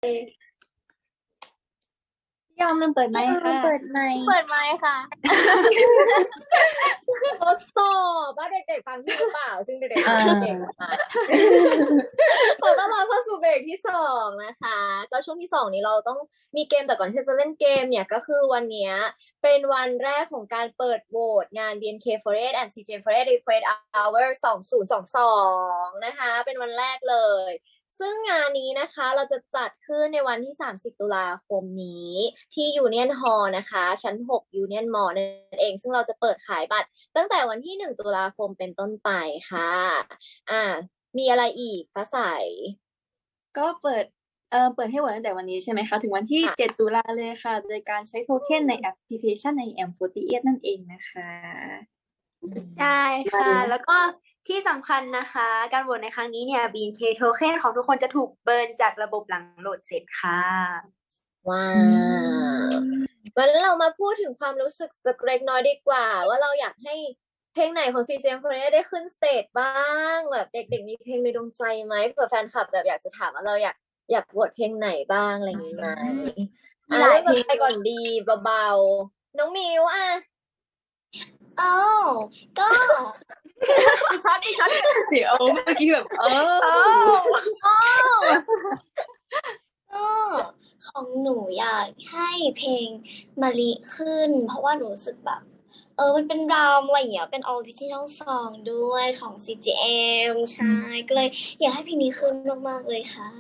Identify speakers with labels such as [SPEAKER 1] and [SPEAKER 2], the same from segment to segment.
[SPEAKER 1] ยอมมันเปิดไมค์ค่ะ
[SPEAKER 2] เปิดไมค์ค่ะ
[SPEAKER 3] ทดสอบว่าเด็กๆฟังพี่หรือเปล่าซึ่งเด็กๆฟังเก่งมากขอต้อนรับเข้าสู่เบรกที่2นะคะก็ช่วงที่2นี้เราต้องมีเกมแต่ก่อนที่จะเล่นเกมเนี่ยก็คือวันเนี้ยเป็นวันแรกของการเปิดโหวตงาน BNK48 and CJ48 Request Hour 2022นะคะเป็นวันแรกเลยซึ่งงานนี้นะคะเราจะจัดขึ้นในวันที่30ตุลาคมนี้ที่ Union Hall นะคะชั้น6 Union Mall นั่นเองซึ่งเราจะเปิดขายบัตรตั้งแต่วันที่1ตุลาคมเป็นต้นไปค่ะมีอะไรอีกฟ้าใส
[SPEAKER 1] ก็เปิดให้โหวตตั้งแต่วันนี้ใช่ไหมคะถึงวันที่7ตุลาเลยค่ะโดยการใช้โทเค็นในแอปพลิเคชันใน M48 นั่นเองนะคะ
[SPEAKER 2] ใช่ค่ะแล้วก็ที่สำคัญนะคะการโหวตในครั้งนี้เนี่ย BNK โทเค็นของทุกคนจะถูกเบิร์นจากระบบหลังโหลดเสร็จค่ะ
[SPEAKER 3] ว้าววันนี้เรามาพูดถึงความรู้สึกสักเล็กน้อยดีกว่าว่าเราอยากให้เพลงไหนของ CJ48 ได้ขึ้นสเตจบ้างแบบเด็กๆมีเพลงในดวงใจไหมเผื่อแฟนคลับแบบอยากจะถามว่าเราอยากโหวตเพลงไหนบ้างอะไรอย่างนี้ไหมเริ่มจากใครก่อนดีเบาๆน้องมิว
[SPEAKER 2] ก็มีช็อต
[SPEAKER 1] เสียงเมื่อกี้แบบ
[SPEAKER 4] ก็ของหนูอยากให้เพลงมะลิขึ้นเพราะว่าหนูรู้สึกแบบมันเป็นรามอะไรอย่างเงี้ยเป็นออริจินอลซองด้วยของ CGM ใช่ก็เลยอยากให้เพลงนี้ขึ้นมากๆเลยค่ะ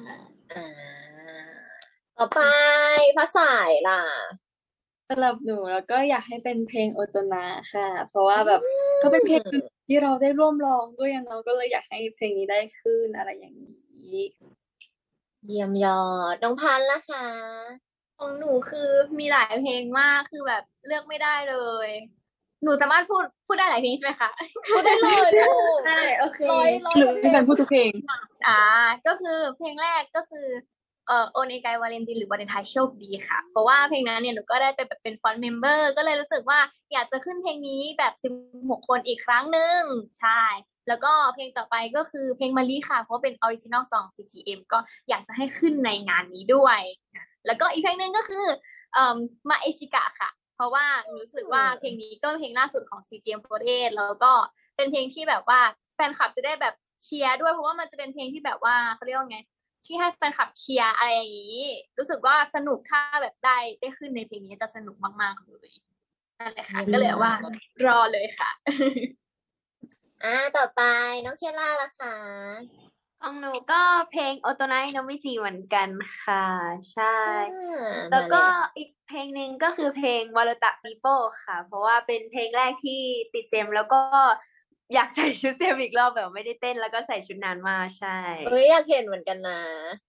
[SPEAKER 3] ต่อไปฟ้าใสล่ะ
[SPEAKER 1] สำหรับหนูแล้วก็อยากให้เป็นเพลงโอโตนาค่ะเพราะว่าแบบก็เป็นเพลงที่เราได้ร่วมร้องด้วยน้องก็เลยอยากให้เพลงนี้ได้ขึ้นอะไรอย่างนี้
[SPEAKER 3] เยี่ยมยอดน้องพันธุ์ล่ะคะ
[SPEAKER 2] ของหนูคือมีหลายเพลงมากคือแบบเลือกไม่ได้เลยหนูสามารถพูดได้หลายเพลงใช่ไหมคะ
[SPEAKER 3] พูดได้เลยลูก
[SPEAKER 2] ได้โอเค
[SPEAKER 1] หนูเป็นการพูดทุกเพลง
[SPEAKER 2] ก็คือเพลงแรกก็คือโอเนไกวาเลนตินหรือวาเลนไทน์โชคดีค่ะเพราะว่าเพลงนั้นเนี่ยหนูก็ได้ไปแบบเป็นฟอนต์เมมเบอร์ก็เลยรู้สึกว่าอยากจะขึ้นเพลงนี้แบบ16คนอีกครั้งหนึ่งใช่แล้วก็เพลงต่อไปก็คือเพลงมะลิค่ะเพราะเป็นออริจินอลซอง CGM ก็อยากจะให้ขึ้นในงานนี้ด้วยแล้วก็อีกเพลงหนึ่งก็คือมาเอชิกะค่ะเพราะว่ารู้สึกว่าเพลงนี้ก็เพลงล่าสุดของ CGM48 แล้วก็เป็นเพลงที่แบบว่าแฟนคลับจะได้แบบเชียร์ด้วยเพราะว่ามันจะเป็นเพลงที่แบบว่าเขาเรียกว่าไงที่ให้แฟนคลับเชียร์อะไรอย่างนี้รู้สึกว่าสนุกถ้าแบบได้ขึ้นในเพลงนี้จะสนุกมากๆเลยนั่นแหละค่ะก็เลยว่ารอเลยค่ะ
[SPEAKER 3] ต่อไปน้องเคล่าล่ะคะ
[SPEAKER 2] ของหนูก็เพลงโอโตไนโนมิจิเหมือนกันค่ะใช่แล้วก็อีกเพลงหนึ่งก็คือเพลงวาโลตะปีโป้ค่ะเพราะว่าเป็นเพลงแรกที่ติดเซมแล้วก็อยากใส่ชุดเซมอีกรอบแบบไม่ได้เต้นแล้วก็ใส่ชุดนานมากใช่
[SPEAKER 3] อยากเห็นเหมือนกันนะ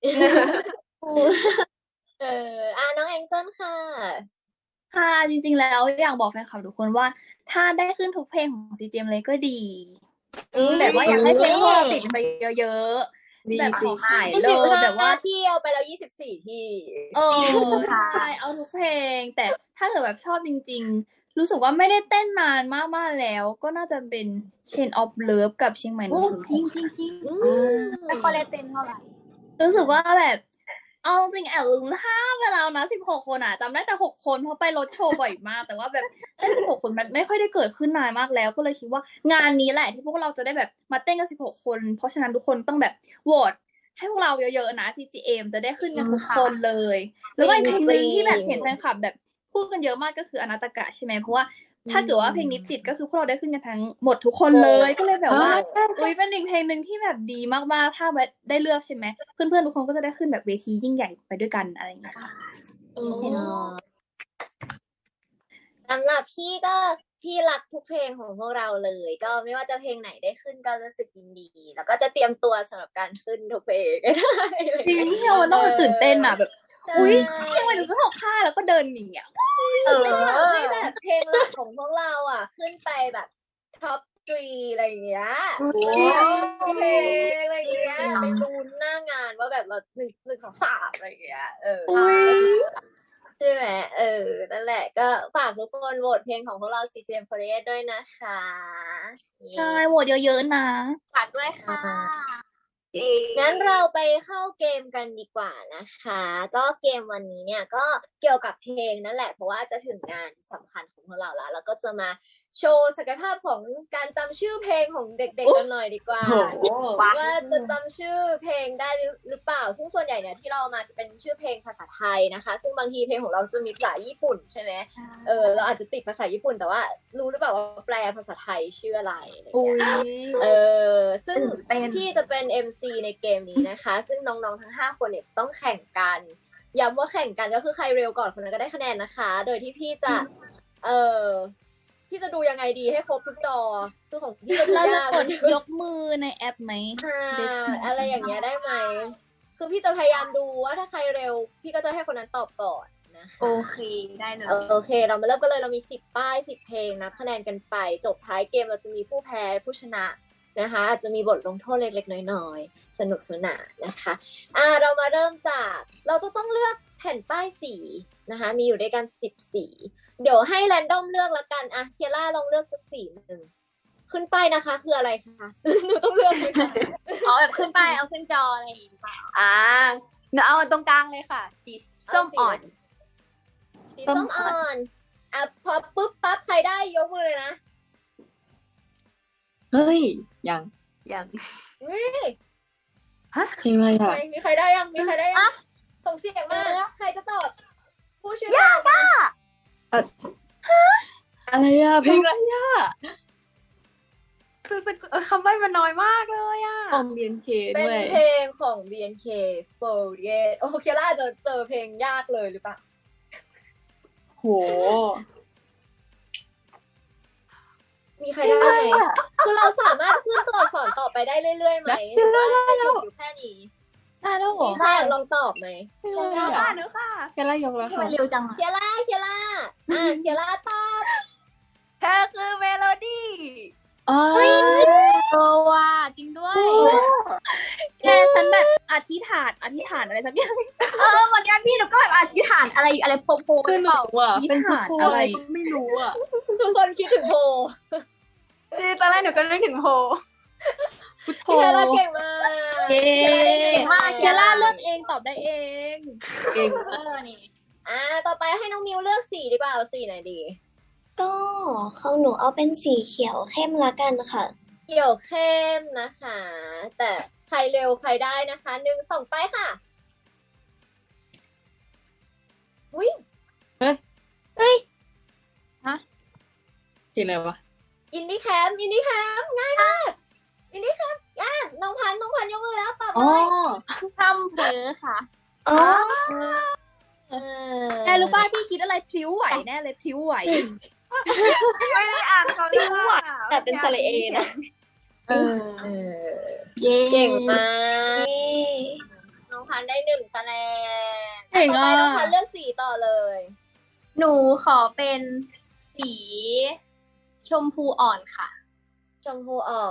[SPEAKER 3] น้องแองเจิล
[SPEAKER 1] ค่ะจริงๆแล้วอยากบอกแฟนคลับทุกคนว่าถ้าได้ขึ้นทุกเพลงของ CGM เลยก็ดีแบบว่าอยากให้เพลงพวกเราติดไปเยอะๆแบบขอขายเลยแบบว่า
[SPEAKER 3] เที่ยวไปแล้ว24ที่
[SPEAKER 1] ใช่เอาทุกเพลงแต่ถ้าเกิดแบบชอบจริงๆรู้สึกว่าไม่ได้เต้นนานมากๆแล้วก็น่าจะเป็น Chain of Love กับเชียงใหม่
[SPEAKER 2] จริงไม่ค่อยได้เต้นเท่าไหร่
[SPEAKER 1] รู้สึกว่าแบบเอาจริงแอบลืมท่าไปแล้วนะ16คนจำได้แต่6คนเพราะไปรถโชว์บ่อยมากแต่ว่าแบบเต้น16คนมันไม่ค่อยได้เกิดขึ้นนานมากแล้วก็เลยคิดว่างานนี้แหละที่พวกเราจะได้แบบมาเต้นกัน16คนเพราะฉะนั้นทุกคนต้องแบบโหวตให้พวกเราเยอะๆนะ CGM จะได้ขึ้นกันทุกคนเลยแล้วก็อีกเพลงนึงที่แบบเห็นแฟนคลับแบบพูดกันเยอะมากก็คืออนาตากะใช่ไหมเพราะว่าถ้าเกิดว่าเพลงนี้ติดก็คือพวกเราได้ขึ้นกันทั้งหมดทุกคนเลยก็เลยแบบว่าเป็นอีกเพลงนึงที่แบบดีมากๆถ้าแบบได้เลือกใช่ไหมเพื่อนๆทุกคนก็จะได้ขึ้นแบบเวทียิ่งใหญ่ไปด้วยกันอะไรอย่างเงี้ยค่ะ
[SPEAKER 3] สำหรับพี่รักทุกเพลงของพวกเราเลยก็ไม่ว่าจะเพลงไหนได้ขึ้นก็รู้สึกยินดีแล้วก็จะเตรียมตัวสำหรับการขึ้นทุกเพลง
[SPEAKER 1] จริงที่เราต้องตื่นเต้นแบบอุ้ยเชียงใหม่ถึงจะถกค่าแล้วก็เดินอย่างเงี้ย
[SPEAKER 3] ให้แบบเพลงหลักของพวกเราขึ้นไปแบบท็อป3อะไรอย่างเงี้ยเพลงอะไรอย่างเงี้ยไปดูหน้างานว่าแบบเรา1 2 3อะไรอย่างเงี้ยใช่ไหมนั่นแหละก็ฝากทุกคนโหวตเพลงของพวกเรา CGM48 ด้วยนะคะ
[SPEAKER 1] ใช่โหวตเยอะๆนะ
[SPEAKER 2] ฝากด้วยค่ะ
[SPEAKER 3] งั้นเราไปเข้าเกมกันดีกว่านะคะ ก็เกมวันนี้เนี่ยก็เกี่ยวกับเพลงนั่นแหละ เพราะว่าจะถึงงานสำคัญของพวกเราแล้วก็จะมาโชว์ศักยภาพของการจำชื่อเพลงของเด็กๆกันหน่อยดีกว่า ว่าจะจำชื่อเพลงได้หรือเปล่า ซึ่งส่วนใหญ่เนี่ยที่เราเอามาจะเป็นชื่อเพลงภาษาไทยนะคะ ซึ่งบางทีเพลงของเราจะมีภาษาญี่ปุ่นใช่ไหมเราอาจจะติดภาษาญี่ปุ่นแต่ว่ารู้หรือเปล่าว่าแปลภาษาไทยชื่ออะไรอะไรอย่าง
[SPEAKER 1] อุ้
[SPEAKER 3] เงี้
[SPEAKER 1] ย
[SPEAKER 3] ยซึ่งพี่จะเป็น MC ในเกมนี้นะคะ ซึ่งน้องๆทั้ง5คนเนี่ยจะต้องแข่งกันย้ำว่าแข่งกันก็คือใครเร็วก่อนคนนั้นก็ได้คะแนนนะคะ โดยที่พี่จะพี่จะดูยังไงดีให้ครบทุกจอคือของพี่จะดู
[SPEAKER 1] เราจะ
[SPEAKER 3] ยาก
[SPEAKER 1] กดยกมือในแอปไหม
[SPEAKER 3] อะไรอย่างเงี้ยได้ไหมคือพี่จะพยายามดูว่าถ้าใครเร็วพี่ก็จะให้คนนั้นตอบก่อนนะคะ
[SPEAKER 2] โอเคได้เลย
[SPEAKER 3] โอเค เรามาเริ่มกันเลยเรามี10 ป้าย 10 เพลงนับคะแนนกันไปจบท้ายเกมเราจะมีผู้แพ้ผู้ชนะนะคะอาจจะมีบทลงโทษเล็กๆน้อยๆสนุกสนานนะคะเรามาเริ่มจากเราต้องเลือกแผ่นป้ายสีนะคะมีอยู่ด้วยกัน10 สีเดี๋ยวให้แรนดอมเลือกละกันเคียร่าลองเลือกสักสีหนึ่งขึ้นป้ายนะคะคืออะไรคะ หนูต้องเลือกเลยค่ะ
[SPEAKER 2] เอาแบบขึ้นไปเอาขึ้นจออะไรอย่างงี้ป่ะ
[SPEAKER 5] หนูเอาตรงกลางเลยค่ะสีส้มอ่อน
[SPEAKER 3] สีส้มอ่อนพอปุ๊บปั๊บใครได้ยกมือเลยนะ
[SPEAKER 5] เฮ้ยยัง ฮะเพลงอะไรอ่ะ
[SPEAKER 3] มีใครได้ยังส่งเสียงมาใครจะตอบผู้ชื่อยากอ่ะ
[SPEAKER 5] อะไรอ่ะเพลงอะไรอ่ะคือคำใบ้มันน้อยมากเลยอ่ะของ BNK
[SPEAKER 3] เป็น
[SPEAKER 5] ด้วย
[SPEAKER 3] เพลงของ BNK48 โอเคล่าจะเจอเพลงยากเลยหรือเปล่า
[SPEAKER 5] โห
[SPEAKER 3] มีใครได้ไหมคือเราสามารถขึ้นตัวอักษรต่อไปได้เรื่อยๆไหมหรือว่าหยุดอยู่แค่นี้
[SPEAKER 1] ได้แล้วเหรอ
[SPEAKER 3] มีใครอยากลองตอบไหม
[SPEAKER 5] เดี๋ยวค่ะแค่ไล่ยกแล้ว
[SPEAKER 2] ทำไม
[SPEAKER 5] ค่ะ
[SPEAKER 2] เร็วจังอะ
[SPEAKER 3] เคียร่าเคียร่าตอบ
[SPEAKER 5] เธอคือเมโลดี้
[SPEAKER 2] ว่าจริงด้วย
[SPEAKER 1] แกฉันแบบอธิษฐานอะไรสักอย่าง
[SPEAKER 2] เหมือนกันพี่หนูก็แบบอธิษฐานอะไรโพ
[SPEAKER 5] คือหนูอ่ะ
[SPEAKER 1] มี
[SPEAKER 5] เป็นพุท
[SPEAKER 1] ฐาน
[SPEAKER 5] โธ
[SPEAKER 1] อะ
[SPEAKER 5] อะไร ไรก็ไม่รู้อ่ะ
[SPEAKER 3] ทุกคนคิดถึงโพ
[SPEAKER 5] จริงตอนแรกหนูก็นึกถึงโพพุทโธ
[SPEAKER 3] เคียร่าเก่งมาก
[SPEAKER 1] เย้
[SPEAKER 2] เก่งมาก
[SPEAKER 1] เคียร่าเลือกเองตอบได้เอง
[SPEAKER 5] เก่ง
[SPEAKER 2] นี่
[SPEAKER 3] ต่อไปให้น้องมิวเลือกสีดีกว่าเอาสีไหนดี
[SPEAKER 4] ก็ของหนูเอาเป็นสีเขียวเข้มละกันค่ะ
[SPEAKER 3] เขียวเข้มนะคะ แต่ใครเร็วใครได้นะคะ1 2ไปค่ะอุ้ย
[SPEAKER 5] เพลงอะไรวะ
[SPEAKER 3] อินดี้แคมป์ง่ายมากอินดี้แคมป์น้องพันธุ์ยกมือแล้วตอบเล
[SPEAKER 5] อ๋อ
[SPEAKER 3] ย
[SPEAKER 2] ทำเผลอค่ะ
[SPEAKER 4] อ๋อ
[SPEAKER 1] แกรู้ป่ะพี่คิดอะไรพลิ้วไหวแน่เลยพลิ้วไหว
[SPEAKER 5] ไม่ได้อ่านเขาเลยอ่ะ
[SPEAKER 4] แต่เป็นสระเอนะ
[SPEAKER 2] เย้
[SPEAKER 3] เก่งมาก
[SPEAKER 4] เย้
[SPEAKER 3] น้องพันธุ์ได้1 คะแนน
[SPEAKER 1] เก่ง
[SPEAKER 3] ต่อ
[SPEAKER 1] อ่ะ
[SPEAKER 3] ไปน้องพันธุ์เลือกสีต่อเลย
[SPEAKER 2] หนูขอเป็นสีชมพูอ่อนค่ะ
[SPEAKER 3] ชมพูอ่อน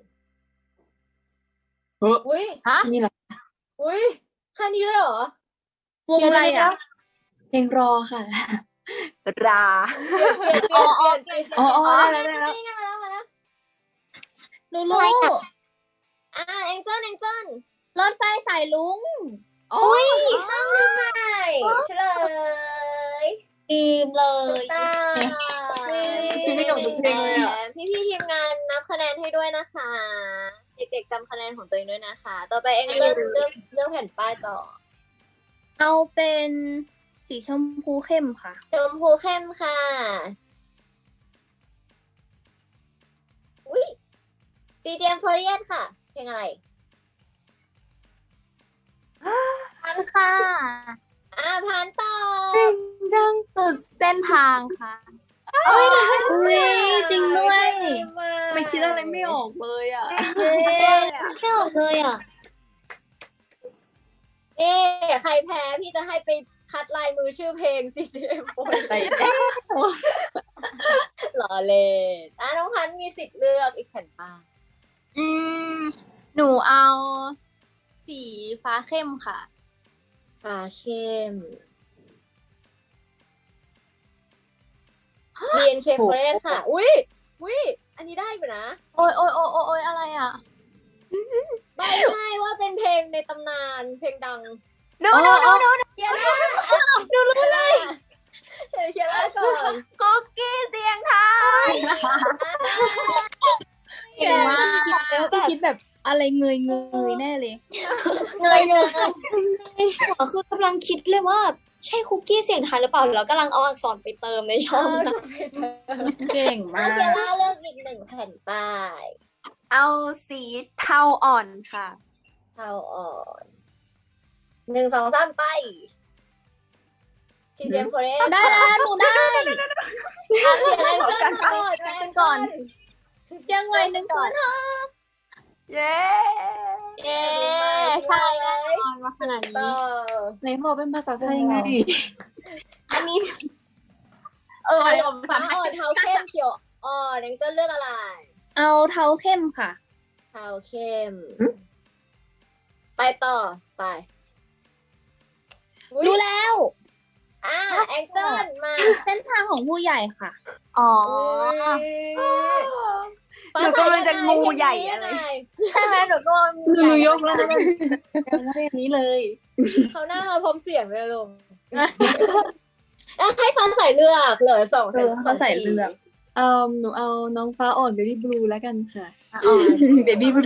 [SPEAKER 5] เฮ้ย
[SPEAKER 3] อุ้ย
[SPEAKER 5] นี่แหละ
[SPEAKER 3] อุ้ยแค่นี้เลยเหรอ
[SPEAKER 1] วงอะไรอ่ะ
[SPEAKER 5] เพลงรอค่ะ รา
[SPEAKER 3] เปลี่ยน
[SPEAKER 5] อ๋อได้แล้ว
[SPEAKER 3] มาแล้ว
[SPEAKER 1] รู้รู้
[SPEAKER 3] แองเจิล
[SPEAKER 1] รถไฟสายลุง
[SPEAKER 3] อุ้ยต้องทำไมเฉลย
[SPEAKER 4] ลืมเลย
[SPEAKER 3] ตา
[SPEAKER 5] ชีวิตกับทุกเพลงเลยอ่ะ
[SPEAKER 3] พี่ทีมงานนับคะแนนให้ด้วยนะคะ เด็กๆจำคะแนนของตัวเองด้วยนะคะ ต่อไปเองเลือกแผ่นป้ายต่อ
[SPEAKER 1] เอาเป็นสีชมพูเข้มค่ะ
[SPEAKER 3] ชมพูเข้มค่ะ อุ้ย CGM48 ค่ะ เพลงอะไร
[SPEAKER 2] พันค่ะ
[SPEAKER 3] ผ่านต่อ
[SPEAKER 2] จังสุดเส้นทางค่ะ
[SPEAKER 1] อุ้ยจริงด้วย
[SPEAKER 5] ไม่คิดอะไรไม่ออกเลยอ่ะ
[SPEAKER 4] ไม่ออกเลยอ่ะ
[SPEAKER 3] ใครแพ้พี่จะให้ไปคัดลายมือชื่อเพลง CGM48
[SPEAKER 5] ไป
[SPEAKER 3] หล่อเล่นน้องพันธุ์มีสิทธิ์เลือกอีกแผ่นป้าย
[SPEAKER 2] หนูเอาสีฟ้าเข้มค่ะ
[SPEAKER 3] ฟ้าเข้ม BNK48 ค่ะ อุ้ย อันนี้ได้อยู่นะ
[SPEAKER 2] โอ้ยอะไรอ่ะ
[SPEAKER 3] ใบไม่ใช่ว่าเป็นเพลงในตำนานเพลงดัง
[SPEAKER 5] ดู
[SPEAKER 3] เคียร่าดูรู้เลยเดี๋ยวเคียร่าก่อน
[SPEAKER 5] คุกกี้เสียงไทย
[SPEAKER 1] เก่งมากพี่คิดแบบอะไรเงยแน่เลย
[SPEAKER 2] เงย
[SPEAKER 4] คือกำลังคิดเลยว่าใช่คุกกี้เสียงไทยหรือเปล่าแล้วกำลังเอาอักษรไปเติมในช่องนะ
[SPEAKER 1] เก่งมา
[SPEAKER 3] เคีย
[SPEAKER 1] ก
[SPEAKER 3] ร่าเลือกอีกหนึ่งแผ่นป้าย
[SPEAKER 5] เอาสีเทาอ่อนค่ะ
[SPEAKER 3] เทาอ่อน1 2 3ไปชีเจมโฟเรส
[SPEAKER 1] ได้แล้วหนูได้
[SPEAKER 3] เขียนแองเจิลมาก่อนแองก่อน
[SPEAKER 1] ยังไหวหนึ่งศูนย์
[SPEAKER 5] เย้
[SPEAKER 2] เย้ใช่แน่นอนมาขนาด
[SPEAKER 3] ต่
[SPEAKER 2] นี้
[SPEAKER 3] อ
[SPEAKER 1] ในบอกเป็นภาษาไทยไง
[SPEAKER 2] อันนี้เดี๋ยวภาษา
[SPEAKER 3] ฟ้า
[SPEAKER 2] ไทย
[SPEAKER 3] อ่อนเทาเข้มเขียวอ่อนแองเจิลเลือกอะไร
[SPEAKER 1] เอาเทาเข้มค่ะ
[SPEAKER 3] เทาเข้ม ไปต่อไปอุ๊ย
[SPEAKER 1] ดูแล้ว
[SPEAKER 3] แองเจิลมา
[SPEAKER 1] เส้นทางของผู้ใหญ่ค่ะ
[SPEAKER 2] อ๋อ
[SPEAKER 5] หนูกำลังจะงูใหญ่อะไร
[SPEAKER 2] ใช่ไหมหนูก็
[SPEAKER 1] หนูยกแล้วนะยังไม่อันนี้เลย
[SPEAKER 3] เขาหน้ามาพร้อมเสียงเลยลงให้ฟ้าใส่เลือกเหลือสอง
[SPEAKER 1] เขาใส่เลือก
[SPEAKER 6] หนูเอาน้องฟ้าอ่อนเบบี้บลูแล้วกันค่ะ
[SPEAKER 1] เบบี้บลู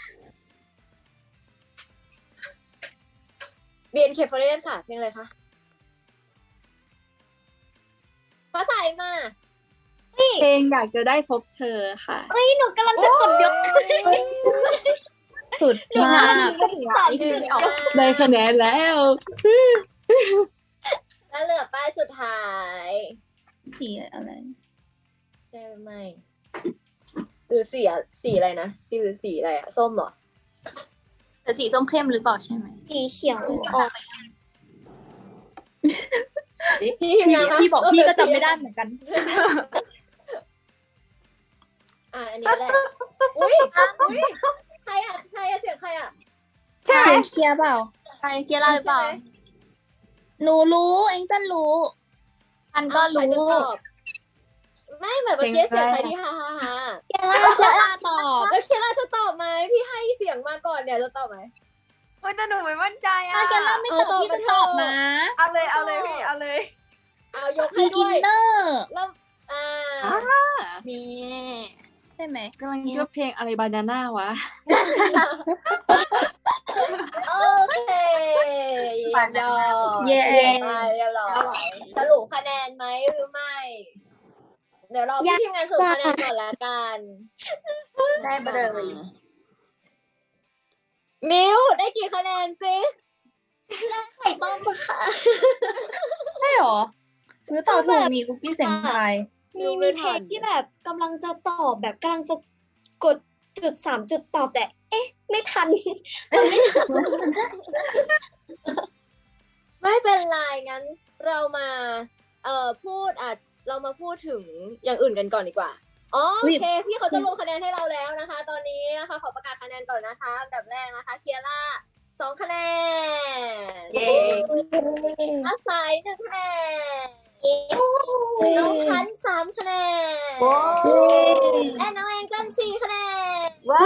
[SPEAKER 3] BNK Forest ค่ะเพลงอะไรคะฟ้าใส่มา
[SPEAKER 6] เพลงอยากจะได้พบเธอค่ะ
[SPEAKER 4] หนูกำลังจะกดยก
[SPEAKER 1] สุดมาก
[SPEAKER 6] ได้คะแนนแล้ว
[SPEAKER 3] แล้วเหลือป้ายสุดท้าย
[SPEAKER 1] สีอะไร
[SPEAKER 3] ใช่หรือไม่หรือสีอะไรนะสีอะไรอะส้มเหรอ
[SPEAKER 2] แต่สีส้มเข้มหรือเปล่าใช่ไหม
[SPEAKER 4] สีเขียวอ่อน
[SPEAKER 3] พี่ทีมงานคะ
[SPEAKER 1] พี่บอกพี่ก็จำไม่ได้เหมือนกัน
[SPEAKER 3] อันนี้แหละอุ้ยใครอะเสียงใครอะ
[SPEAKER 1] เสียงเคลียร์เปล่า
[SPEAKER 2] ใช่เกียร่าหรือเปล่า
[SPEAKER 3] ใช่ไหม
[SPEAKER 1] หนูรู้เอ็งเต้นรู้
[SPEAKER 2] อันก็รู้
[SPEAKER 3] ใคจะตอบไม่เหมือนเมื่อกี้เสียงใครที่ฮ่า
[SPEAKER 1] เคียร่าตอบ
[SPEAKER 3] แล้วเคียร่าจะตอบไหมพี่ให้เสียงมาก่อนเนี่ยจะตอบไหม
[SPEAKER 5] โอ้ยแต่หนูไม่มั่นใจอ่ะ
[SPEAKER 1] ถ้าเคียร่าไม่ตอบพี่จะตอบนะ
[SPEAKER 5] เอาเลยพี่เอาเลย
[SPEAKER 3] เอายกให้
[SPEAKER 1] บีกิ
[SPEAKER 3] ด้
[SPEAKER 1] น
[SPEAKER 3] วย
[SPEAKER 1] เนอร์
[SPEAKER 3] แล้ว
[SPEAKER 2] นี่
[SPEAKER 1] ใช่ไหม
[SPEAKER 6] กำลังคิดว่าเพลงอะไรบานาน่าวะ
[SPEAKER 3] โอเคเยี่ยมยอด
[SPEAKER 1] เย้
[SPEAKER 3] เรียบร้อยสรุปคะแนนไหมหรือไม่ เดี๋ยวรอพี่ทีมงานสรุปคะแนนก่อนละกัน
[SPEAKER 2] ได้ไปเลย
[SPEAKER 3] มิวได้กี่คะแนนซิ
[SPEAKER 4] ไข่ต้มค่ะ
[SPEAKER 1] ใช่หรอหรือตอบถูกมีคุกกี้เสียงไทย
[SPEAKER 4] มีเพลงที่แบบกำลังจะตอบแบบกำลังจะกดจุดตอบแต่ ไม่ทัน
[SPEAKER 3] ไม่เป็นไรงั้นเรามาเรามาพูดถึงอย่างอื่นกันก่อนดีกว่าอ๋อโอเคพี่เขาจะลงคะแนนให้เราแล้วนะคะ ตอนนี้นะคะขอประกาศคะแนนก่อนนะคะอันดับแรกนะคะเคียร่า2 คะแนน
[SPEAKER 1] เย้
[SPEAKER 3] อาศัย1 คะแนนน้องพันธุ์3 คะแนนและน้องแองเจิล4 คะแนน
[SPEAKER 1] ว้าว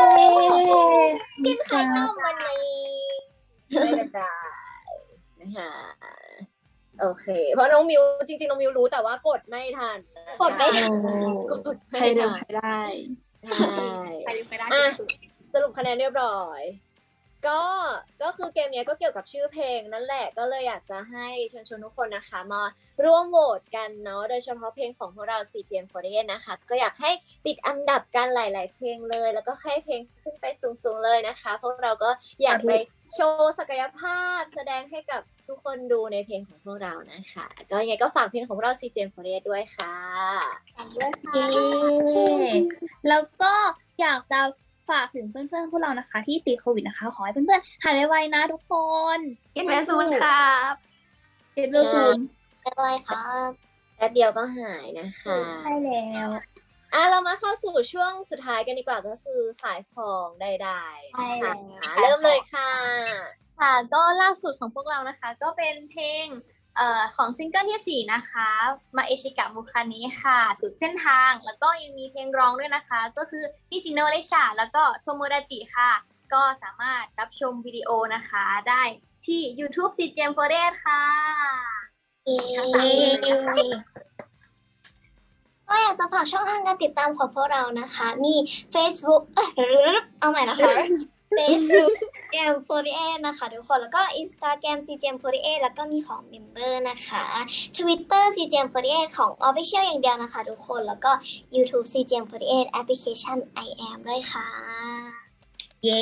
[SPEAKER 3] กินไข่ต้มวันนี้ไม่เป็นไรนะคะโอเค เพราะน้องมิวจริงๆน้องมิวรู้แต่ว่ากดไม่ทันนะคะ
[SPEAKER 4] กดไม่ทัน
[SPEAKER 3] กดไม่
[SPEAKER 6] ใครเดิ
[SPEAKER 3] ทั
[SPEAKER 6] ม
[SPEAKER 3] น
[SPEAKER 6] ใครได้
[SPEAKER 3] ใช่
[SPEAKER 2] ใครไม่ได้
[SPEAKER 3] อ่ะสรุปคะแนนเรียบร้อย ก็คือเกมเนี้ยก็เกี่ยวกับชื่อเพลงนั่นแหละก็เลยอยากจะให้เชิญชวนทุกคนนะคะมาร่วมโหวตกันเนาะโดยเฉพาะเพลงของพวกเรา CGM48 นะคะก็อยากให้ติดอันดับกันหลาย ๆ เพลงเลยแล้วก็ให้เพลงขึ้นไปสูง ๆ เลยนะคะพวกเราก็อยากไปโชว์ศักยภาพแสดงให้กับทุกคนดูในเพลงของพวกเรานะคะก็ยังไงก็ฝากเพลงของพวกเรา CGM48 ด้วยค่ะ
[SPEAKER 1] เย้แล้วก็อยากจะฝากถึงเพื่อนๆพวกเรานะคะ ที่ติดโควิดนะคะ ขอให้เพื่อนๆหายไวๆนะทุกคน
[SPEAKER 5] กินเวซูนครับ
[SPEAKER 1] เก็บเร็วซูน
[SPEAKER 4] อะไรครับ
[SPEAKER 3] แป๊บเดียวก็หายนะคะ
[SPEAKER 1] ใช่แล้ว
[SPEAKER 3] เรามาเข้าสู่ช่วงสุดท้ายกันดีกว่าก็คือขายของใดๆ
[SPEAKER 4] ใช่
[SPEAKER 3] ค่ะ
[SPEAKER 4] แล้ว
[SPEAKER 3] เริ่มเลยค่ะ
[SPEAKER 2] ค่ะก็ล่าสุดของพวกเรานะคะ ก็เป็นเพลงของซิงเกิลที่4นะคะมาเอชิกะมุคานิค่ะสุดเส้นทางแล้วก็ยังมีเพลงร้องด้วยนะคะ ก็คือนิจิโนเลชาแล้วก็โทโมดาจิค่ะก็สามารถรับชมวิดีโอนะคะได้ที่ YouTube CGM48 ค่ะ
[SPEAKER 4] เย้ก็อยากจะฝากช่องทางการติดตามของพวกเรานะคะ มี Facebook เอาใหม่นะคะ Facebook CGM48 นะคะทุกคน แล้วก็ Instagram CGM48 แล้วก็มีของ Member นะคะ Twitter CGM48 ของ Official อย่างเดียวนะคะทุกคน แล้วก็ YouTube CGM48 Application I am ด้วยค่ะ
[SPEAKER 1] เย้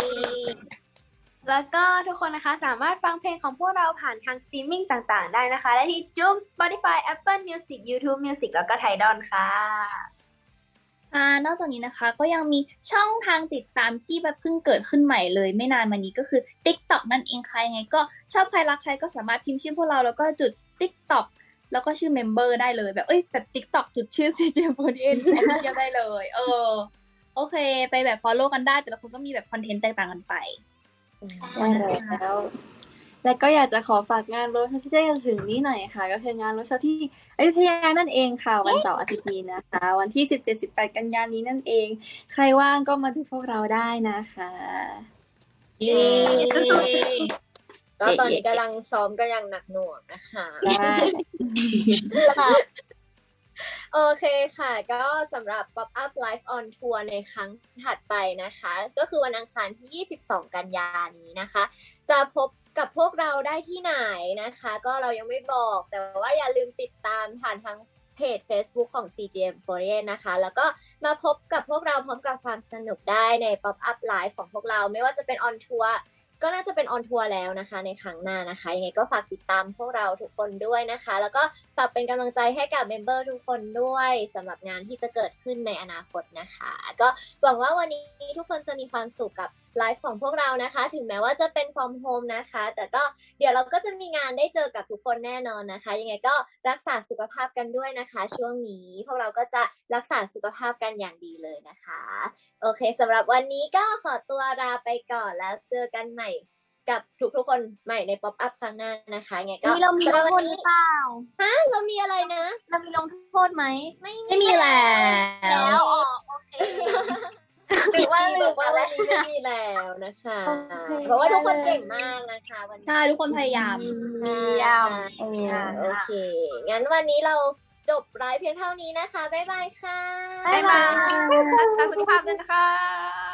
[SPEAKER 5] แล้วก็ทุกคนนะคะสามารถฟังเพลงของพวกเราผ่านทางสตรีมมิ่งต่างๆได้นะคะ ได้ที่ Joom Spotify Apple Music YouTube Music แล้วก็ Tidal ค่ะ
[SPEAKER 1] นอกจากนี้นะคะก็ยังมีช่องทางติดตามที่แบบเพิ่งเกิดขึ้นใหม่เลยไม่นานมานี้ก็คือ TikTok นั่นเองค่ะยังไงก็ชอบใครรักใครก็สามารถพิมพ์ชื่อพวกเราแล้วก็จุด TikTok แล้วก็ชื่อ Member ได้เลยแบบแบบ TikTok จุดชื่อ CGM48 Official ได้เลยโอเคไปแบบ follow กันได้แต่ละคนก็มีแบบคอนเทนต์แตกต่างกันไป
[SPEAKER 6] ได้แล้วและก็อยากจะขอฝากงานโรดที่จะถึงนี้หน่อยค่ะ ก็คืองานโรดที่อยุธยานั่นเองค่ะ วันเสาร์อาทิตย์นี้นะคะ วันที่ 17-18 กันยายนนี้นั่นเอง ใครว่างก็มาดูพวกเราได้นะคะ
[SPEAKER 1] เย้
[SPEAKER 3] ก็ตอนนี้กำลังซ้อมกันอย่างหนักหน่วงนะคะ
[SPEAKER 6] ได้
[SPEAKER 3] โอเคค่ะ ก็สำหรับ Pop Up Live on Tour ในครั้งถัดไปนะคะ ก็คือวันอังคารที่ 22 กันยายนนี้นะคะ จะพบกับพวกเราได้ที่ไหนนะคะ ก็เรายังไม่บอก แต่ว่าอย่าลืมติดตามผ่านทางเพจ Facebook ของ CGM48 นะคะ แล้วก็มาพบกับพวกเราพร้อมกับความสนุกได้ใน Pop Up Live ของพวกเราไม่ว่าจะเป็น on tour ก็น่าจะเป็นออนทัวร์แล้วนะคะในครั้งหน้านะคะยังไงก็ฝากติดตามพวกเราทุกคนด้วยนะคะแล้วก็ฝากเป็นกำลังใจให้กับเมมเบอร์ทุกคนด้วยสำหรับงานที่จะเกิดขึ้นในอนาคตนะคะก็หวังว่าวันนี้ทุกคนจะมีความสุขกับไลฟ์ของพวกเรานะคะถึงแม้ว่าจะเป็น from home นะคะแต่ก็เดี๋ยวเราก็จะมีงานได้เจอกับทุกคนแน่นอนนะคะยังไงก็รักษาสุขภาพกันด้วยนะคะช่วงนี้พวกเราก็จะรักษาสุขภาพกันอย่างดีเลยนะคะโอเคสำหรับวันนี้ก็ขอตัวลาไปก่อนแล้วเจอกันใหม่กับทุกคนใหม่ใน Pop Up ครั้งหน้านะคะไงก็
[SPEAKER 2] เรามีลงโทษหรือเปล่า
[SPEAKER 3] เรามีอะไรนะ
[SPEAKER 2] เรามีลงโทษไหม
[SPEAKER 1] ไม่มีแล้ว
[SPEAKER 2] โอเคหรือว่า
[SPEAKER 3] บอกว่าวันนี้ไม่มีแล้วนะคะ
[SPEAKER 2] โอเค
[SPEAKER 3] เพราะว่าทุกคนเก่งมากนะคะวันนี้
[SPEAKER 1] ใช่ทุกคนพยายาม
[SPEAKER 3] โอเค งั้นวันนี้เราจบไลฟ์เพียงเท่านี้นะคะ บ๊ายบายค่ะ
[SPEAKER 5] บ๊ายบายรักษาสุขภาพด้วยนะคะ